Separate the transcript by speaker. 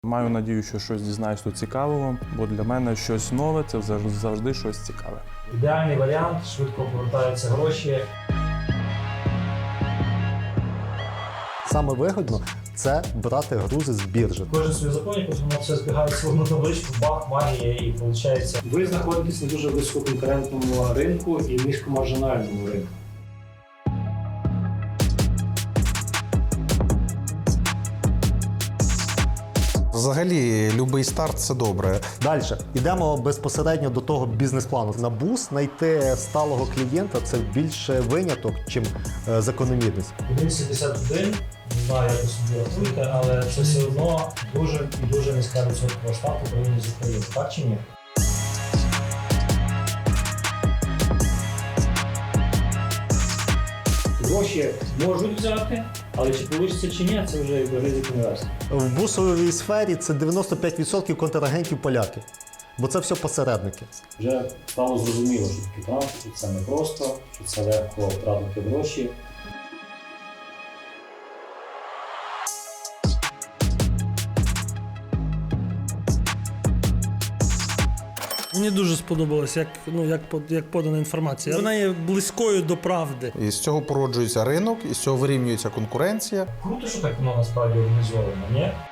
Speaker 1: Маю надію, що щось дізнаюсь тут цікавого, бо для мене щось нове – це завжди щось цікаве.
Speaker 2: Ідеальний варіант, швидко повертаються гроші.
Speaker 3: Саме вигідно це брати грузи з біржі.
Speaker 2: Кожен свій законник, воно все збігається в одну табличку, бах, магія, і виходить.
Speaker 4: Ви знаходитесь на дуже висококонкурентному ринку і низькомаржинальному ринку.
Speaker 5: Взагалі, будь-який старт – це добре.
Speaker 3: Далі йдемо безпосередньо до того бізнес-плану. На бус знайти сталого клієнта – це більше виняток, чим закономірність.
Speaker 2: 1,71, не знаю, як ви собі рахуєте, але це все одно дуже і дуже низька відсоткова ставка порівняно з Україною. Так чи ні? Гроші можуть взяти, але чи вийде чи ні, це вже ризик інвестора.
Speaker 3: В бусовій сфері це 95% контрагентів поляки, бо це все посередники.
Speaker 4: Вже стало зрозуміло, що таке транспорт, це не просто, що це легко втратити гроші.
Speaker 6: Мені дуже сподобалось, як подана інформація. Вона є близькою до правди.
Speaker 5: І з цього породжується ринок, і з цього вирівнюється конкуренція.
Speaker 2: Круто, що так воно насправді організовано, ні?